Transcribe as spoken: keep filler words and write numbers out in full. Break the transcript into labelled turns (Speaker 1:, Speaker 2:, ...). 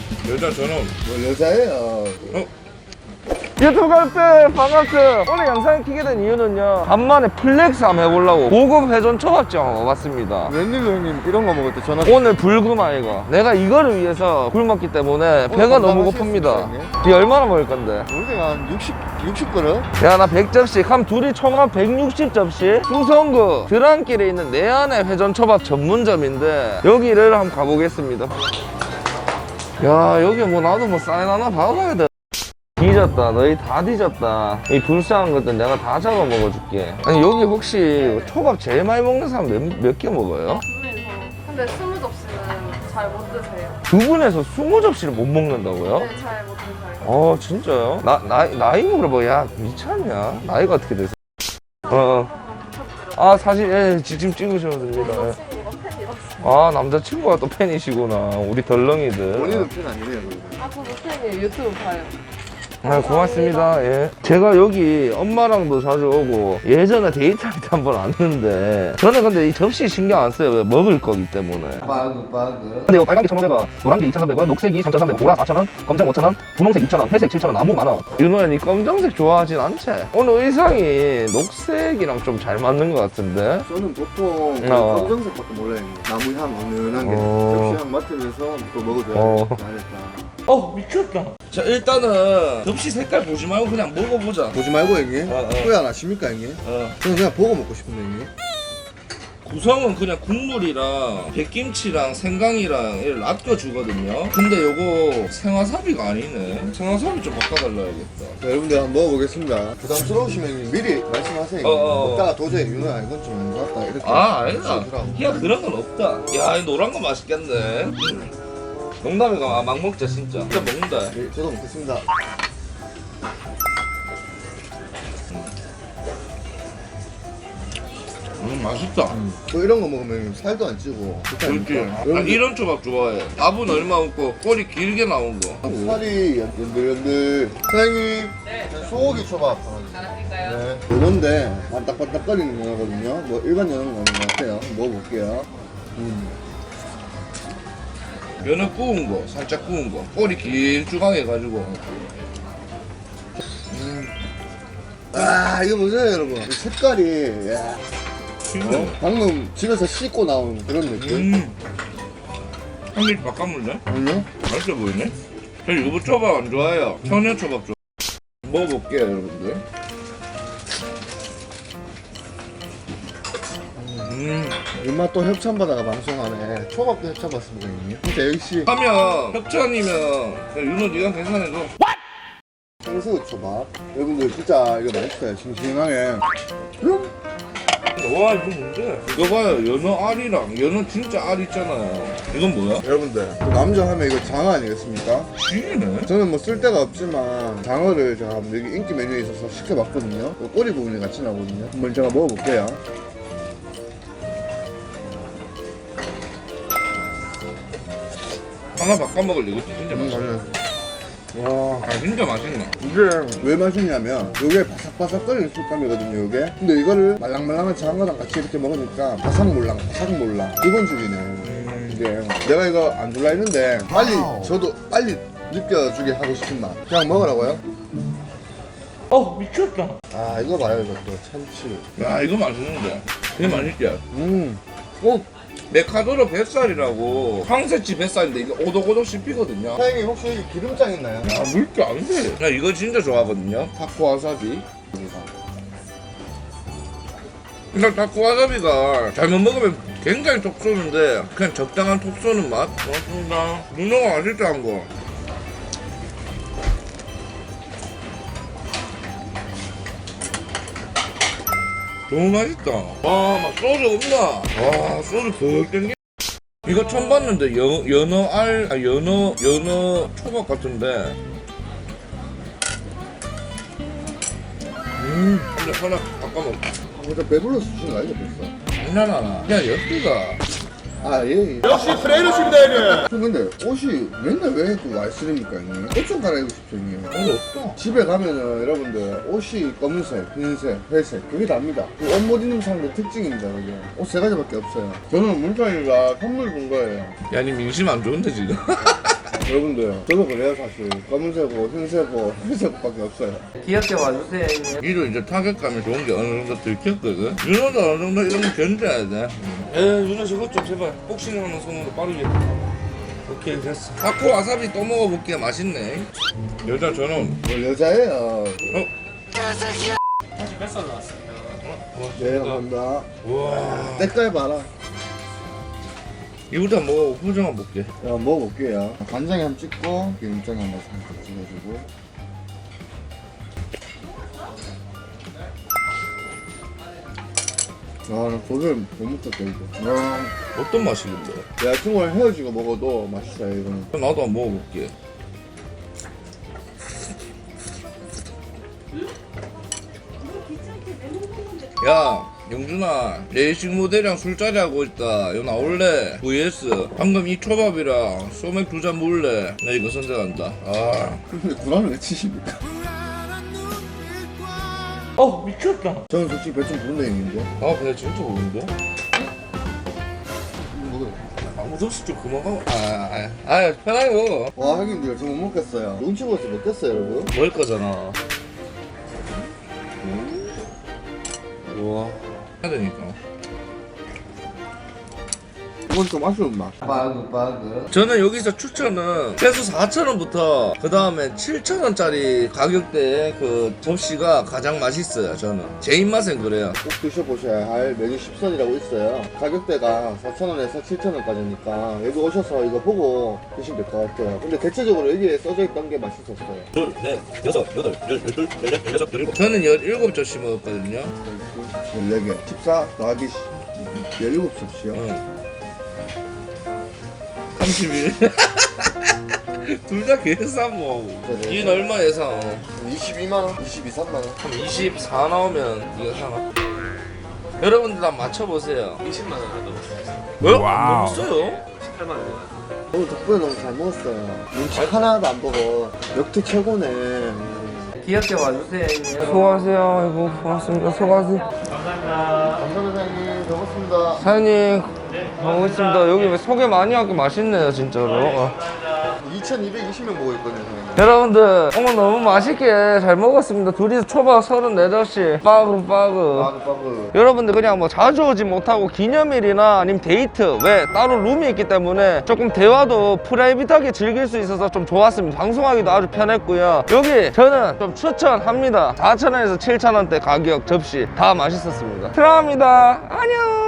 Speaker 1: 여자처럼.
Speaker 2: 뭐 여자예요.
Speaker 1: 어?
Speaker 3: 유튜브 가족들 반갑습니다. 오늘 영상을 켜게 된 이유는요, 간만에 플렉스 한번 해보려고 고급 회전 초밥집 한번 와봤습니다.
Speaker 2: 웬일로 형님 이런 거 먹을 때 전화.
Speaker 3: 오늘 불금아 이거. 내가 이거를 위해서 굶었기 때문에 배가 너무 고픕니다. 이 얼마나 먹을 건데?
Speaker 2: 우리가 한 육십, 육십 그릇?
Speaker 3: 야, 나 백 접시, 한 둘이 총 한 백육십 접시? 충성구 드랑길에 있는 내안의 회전초밥 전문점인데 여기를 한번 가보겠습니다. 야, 여기 뭐 나도 뭐 사인 하나 박아야 돼. 뒤졌다. 너희 다 뒤졌다. 이 불쌍한 것들 내가 다 잡아 먹어줄게. 아니, 여기 혹시 초밥 제일 많이 먹는 사람 몇, 몇 개 먹어요?
Speaker 4: 두 분이서. 근데 스무 접시는 잘 못 드세요.
Speaker 3: 두 분에서 스무 접시를 못 먹는다고요?
Speaker 4: 네, 잘 못 드세요.
Speaker 3: 어, 진짜요? 나, 나이, 나이 물어봐. 야, 미쳤냐? 나이가 어떻게 되세요? 어. 아, 사실, 예, 지금 찍으셔도 됩니다. 예.
Speaker 4: 친구가 팬이었어요.
Speaker 3: 아, 남자친구가 또 팬이시구나. 우리 덜렁이들.
Speaker 2: 본인은 편 아니래요.
Speaker 4: 아, 저도 팬이에요. 유튜브 봐요.
Speaker 3: 아, 고맙습니다. 예. 제가 여기 엄마랑도 자주 오고 예전에 데이트할 때 한 번 왔는데 저는 근데 이 접시 신경 안 써요. 왜? 먹을 거기 때문에.
Speaker 2: 바그 바그.
Speaker 3: 근데 이거 빨간 게 천오백 원, 노란 게 이천삼백 원, 녹색이 삼천삼백 원, 보라 사천 원, 검정 오천 원, 분홍색 이천 원, 회색 칠천 원, 나무 만 원. 윤호야, 니 검정색 좋아하진 않지? 오늘 의상이 녹색이랑 좀 잘 맞는 것 같은데?
Speaker 2: 저는 보통
Speaker 3: 어.
Speaker 2: 검정색밖에 몰라요. 나무 향 은은한 게
Speaker 3: 어.
Speaker 2: 접시 향 맡으면서 또 먹어줘야
Speaker 3: 어.
Speaker 2: 잘했다.
Speaker 3: 어, 미쳤다. 자, 일단은 접시 색깔 보지 말고 그냥 먹어보자.
Speaker 2: 보지 말고 형님.
Speaker 3: 어, 어.
Speaker 2: 후회 안 하십니까 형님?
Speaker 3: 어.
Speaker 2: 저는 그냥 보고 먹고 싶은데 형님.
Speaker 3: 구성은 그냥 국물이랑 백김치랑 생강이랑 이를 놔둬주거든요. 근데 요거 생와사비가 아니네. 생와사비 좀 바꿔달라야겠다.
Speaker 2: 자, 여러분들 한번 먹어보겠습니다. 부담스러우시면 형님 미리 말씀하세요.
Speaker 3: 어, 어, 어.
Speaker 2: 먹다가 도저히 윤호야 이건 좀 안 좋았다 이렇게.
Speaker 3: 아, 아니다.
Speaker 2: 주더라고.
Speaker 3: 야, 그런 건 없다. 야, 이 노란 거 맛있겠네. 음. 농담이가 막 먹자, 진짜. 진짜 먹는다.
Speaker 2: 네, 저도 먹겠습니다.
Speaker 3: 음, 맛있다.
Speaker 2: 또 이런 거 먹으면 살도 안 찌고 좋지
Speaker 3: 그렇지.
Speaker 2: 않습니까?
Speaker 3: 아,
Speaker 2: 여러분들
Speaker 3: 이런 초밥 좋아해. 밥은 얼마 없고 꼬리 길게 나온 거.
Speaker 2: 살이 연들연들. 사장님, 소고기 초밥 하나 주세요. 네. 연어인데 반딱반딱거리는 연어거든요. 뭐 일반 연어는 아닌 것 같아요. 한번 먹어볼게요. 음.
Speaker 3: 연어 구운 거, 살짝 구운 거. 꼬리 길쭉하게 해가지고.
Speaker 2: 아 이거 보세요 여러분. 이 색깔이 야,
Speaker 3: 진짜.
Speaker 2: 어? 방금 집에서 씻고 나온 그런 느낌.
Speaker 3: 음. 한 입 바꿔물래?
Speaker 2: 아니요?
Speaker 3: 맛있어 보이네? 저 유부 초밥 안 좋아해요. 청양 초밥 좋아. 먹어볼게요, 여러분들. 음.
Speaker 2: 얼마 또 협찬받아가 방송하네. 초밥도 협찬받습니다 형님. 진짜 역시
Speaker 3: 하면 협찬이면 윤호 네가 계산해줘.
Speaker 2: 생수 초밥. 여러분들 진짜 이거 맛있어요. 싱싱하게. 음.
Speaker 3: 와, 이거 뭔데? 이거 봐요, 연어 알이랑 연어 진짜 알 있잖아요. 이건 뭐야?
Speaker 2: 여러분들 또 남자 하면 이거 장어 아니겠습니까?
Speaker 3: 쥐네?
Speaker 2: 저는 뭐 쓸데가 없지만 장어를 제가 여기 인기 메뉴에 있어서 시켜봤거든요. 그 꼬리 부분이 같이 나오거든요. 한번 제가 먹어볼게요.
Speaker 3: 하나 바꿔 먹을래? 이거 진짜
Speaker 2: 음,
Speaker 3: 맛있어.
Speaker 2: 맞아요. 와,
Speaker 3: 아, 진짜 맛있네.
Speaker 2: 이게 왜 맛있냐면 이게 바삭바삭거리는 식감이거든요 이게. 근데 이거를 말랑말랑한 장어랑 같이 이렇게 먹으니까 바삭몰랑 바삭몰랑 이건 죽이네. 이게 내가 이거 안 줄라 했는데 빨리 저도 빨리 느껴주게 하고 싶은 맛. 그냥 먹으라고요?
Speaker 3: 어, 미쳤다.
Speaker 2: 아 이거 봐요 이것도 참치.
Speaker 3: 야, 이거 맛있는데. 이거 맛있지?
Speaker 2: 음. 어?
Speaker 3: 메카도로 뱃살이라고 황새치 뱃살인데 이게 오독오독 씹히거든요.
Speaker 2: 사장님 혹시 여기 기름장 있나요?
Speaker 3: 야, 물게 안 돼. 나 이거 진짜 좋아하거든요. 타코 와사비. 그냥 타코 와사비가 잘못 먹으면 굉장히 톡 쏘는데 그냥 적당한 톡 쏘는 맛. 고맙습니다. 문어가 맛있다는 거. 너무 맛있다. 와, 막 소주 없나? 와, 소주 벅 땡겨. 이거 처음 봤는데 연, 연어 알, 아, 연어, 연어 초밥 같은데. 음, 근데 하나 바꿔 먹.
Speaker 2: 진짜 배불러서 주신 거 아니죠 벌써?
Speaker 3: 장난하나? 그냥 엽기가.
Speaker 2: 아 예.
Speaker 5: 역시 프레이러십니다 형님.
Speaker 2: 저 근데 옷이 맨날 왜 또 와이스입니까 형님? 옷 좀 갈아입고 싶죠 형님.
Speaker 3: 근데 없다.
Speaker 2: 집에 가면은 여러분들 옷이 검은색, 흰색, 회색 그게 답니다. 그 옷 못 입는 사람들 특징입니다 그게. 옷 세 가지밖에 없어요. 저는 문찬이가 선물 준 거예요.
Speaker 3: 야, 니 민심 안 좋은데 지금?
Speaker 2: 여러분들 저도 그래요 사실. 검은색고 흰색고 회색밖에 없어요.
Speaker 3: 귀엽게 와주세요 형님. 이로 이제 타격감이 좋은 게 어느 정도 들켰거든. 윤호도 어느 정도 이런 거 견뎌야 돼. 에 윤호 저것 좀 제발 복싱하는 손으로 빠르게. 오케이 됐어. 타코 와사비 또 먹어볼게. 맛있네. 여자 저놈.
Speaker 2: 뭐 여자예요.
Speaker 3: 어?
Speaker 1: 다시 뱃살 나왔습니다.
Speaker 2: 네 감사합니다.
Speaker 3: 우와.
Speaker 2: 때깔 봐라.
Speaker 3: 이거부터 먹어. 표정 한번 볼게.
Speaker 2: 자 먹어볼게요. 간장에 한번 찍고 기름장에 한번 살짝 찍어주고. 아나 고기를 못 먹겠다 이거. 아,
Speaker 3: 어떤 맛이길래?
Speaker 2: 여자친구랑 헤어지고 먹어도 맛있어요 이거는.
Speaker 3: 나도 한번 먹어볼게. 야 영준아 레이싱 모델이랑 술자리 하고 있다. 여 나올래? 브이에스 방금 이 초밥이랑 소맥 두 잔 먹을래? 나 이거 선택한다. 아.
Speaker 2: 근데 구라를 왜 치십니까?
Speaker 3: 어 미쳤다.
Speaker 2: 저는 솔직히 배 좀 부른 데 있는데.
Speaker 3: 아 배가 진짜 고픈데?
Speaker 2: 먹어요.
Speaker 3: 아 무섭시 좀 그만 가고. 아아 아, 아, 편하게 먹어.
Speaker 2: 와 형님들 저 못 먹겠어요. 눈치 보여서 먹겠어요 여러분.
Speaker 3: 먹을 거잖아. 우와 해야 되니까.
Speaker 2: 이건 좀 아쉬운 맛.
Speaker 3: 바그 바그. 저는 여기서 추천은 최소 사천 원부터 그 다음에 칠천 원짜리 가격대의 그 접시가 가장 맛있어요. 저는 제 입맛엔 그래요.
Speaker 2: 꼭 드셔보셔야 할 메뉴 십 선이라고 있어요. 가격대가 사천 원에서 칠천 원까지니까 여기 오셔서 이거 보고 드시면 될 것 같아요. 근데 대체적으로 여기에 써져 있던 게 맛있었어요.
Speaker 6: 둘, 넷, 여섯, 여덟, 열, 열둘, 열넷, 열여섯, 열일곱.
Speaker 3: 저는 열일곱 접시 먹었거든요.
Speaker 2: 열네 개. 십사 더하기 열일곱 접시요.
Speaker 3: 응. 삼십일. 둘 다 계산 뭐.
Speaker 2: 그래.
Speaker 3: 이는 얼마 예상?
Speaker 2: 이십이만 원, 이십이, 삼만 원.
Speaker 3: 그럼 이십사 나오면 이거 사나? 여러분들 다 맞춰보세요.
Speaker 1: 이십만 원 하도
Speaker 3: 뭐? 너무 써요?
Speaker 1: 십팔만 원.
Speaker 2: 오늘 덕분에 너무 잘 먹었어요. 눈치 하나도 안 보고 역대 최고네.
Speaker 3: 귀엽게 와주세요. 수고하세요. 아이고 고맙습니다. 수고하세요.
Speaker 1: 감사합니다.
Speaker 2: 감사합니다 사장님. 잘 먹었습니다.
Speaker 3: 사장님 고맙습니다. 여기 왜 소개 많이 하고 맛있네요 진짜로. 어.
Speaker 2: 이천이백이십 명 보고 있거든요 사장님.
Speaker 3: 여러분들 오늘 너무 맛있게 잘 먹었습니다. 둘이서 초밥 서른네 접시 빠그 빠그.
Speaker 2: 빠그 빠그.
Speaker 3: 여러분들 그냥 뭐 자주 오지 못하고 기념일이나 아니면 데이트 왜 따로 룸이 있기 때문에 조금 대화도 프라이빗하게 즐길 수 있어서 좀 좋았습니다. 방송하기도 아주 편했고요. 여기 저는 좀 추천합니다. 사천 원에서 칠천 원대 가격 접시 다 맛있었습니다. 사랑합니다. 안녕.